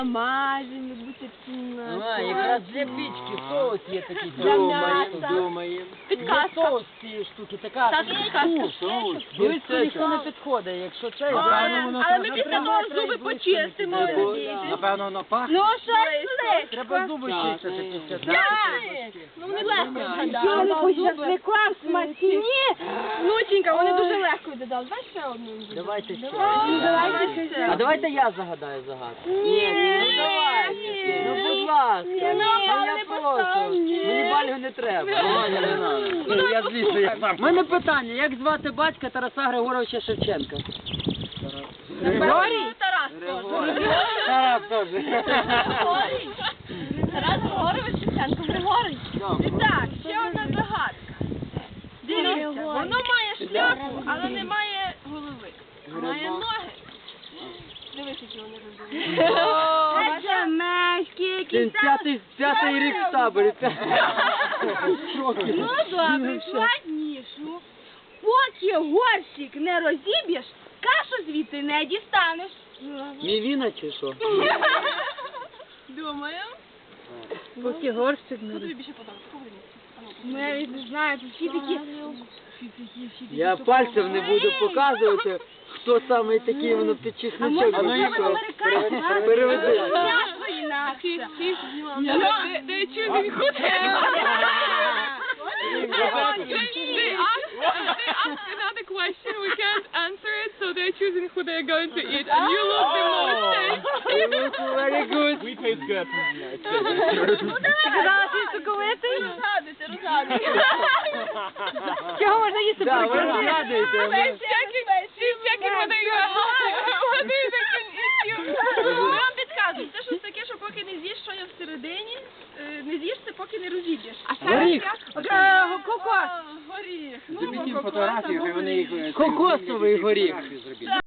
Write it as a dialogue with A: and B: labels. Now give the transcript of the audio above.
A: Мазимо, бутицина.
B: А, якраз для пічки соус є такий.
A: Для м'яса.
B: Думаємо.
A: Підказка.
B: Є соус цієї штуки, така.
A: Саша, підказка.
B: Близько ніхто не підходить, якщо це...
A: Але ми після того зуби почистимо.
B: Напевно, воно пахне.
A: Ну, що це?
B: Треба зуби чистити після того.
A: Ну, вони легко згадали.
C: Шашликом смачні.
A: Внученька, вони дуже легко додали. Дай ще одну.
B: Давайте ще.
A: Давайте ще.
B: А давайте я загадаю загадку.
A: Ні,
B: ну давайте.
A: ні.
B: Ну, будь ласка.
A: Ні,
B: Ну,
A: бал
B: я
A: не
B: прошу.
A: поставлю.
B: Мені балю не треба. Ну, я злізу, я сам. У мене питання, як звати батька Тараса Григоровича Шевченка?
A: Григорій? Тарас теж.
B: Тарас теж.
A: Григорій? Тарас Григорович Шевченко. Григорій? І так, ще одна загадка. Дивіться, воно має шляпу, але не має голови. Має ноги. Дивись, які вони розумні.
C: Це мешки,
B: Він п'ятий рік в таборі.
C: Ну добре, складнішу. Поки горщик не розіб'єш, кашу звідти не дістанеш.
B: Мівіна чи що?
A: Думаю.
C: Поки горщик не
A: Що тобі більше подобається?
C: Ну, я навіть не знаю, тут всі такі...
B: Я пальцем не буду показувати, хто саме такий, воно під чесночок.
C: А може це американська?
B: Переведи.
C: М'ясо інакше.
A: They're choosing who they asked another question, we can't answer it, so they're choosing who they're going to eat. And you look the most tasty.
B: You look very good.
D: We taste good.
C: Ти казала, що є соковитий?
A: Розгадуйте.
C: Чого можна їсти?
B: Да, ви розглядуєте.
A: She's checking whether they can eat you. Ми вам підказуємо, це щось таке, що поки не з'їш, що є всередині, не з'їш це, поки не розіб'єш.
B: Горіх.
C: Кокос.
A: Горіх.
D: Зробіть їм фотографії, хай вони їх...
B: Кокосовий горіх.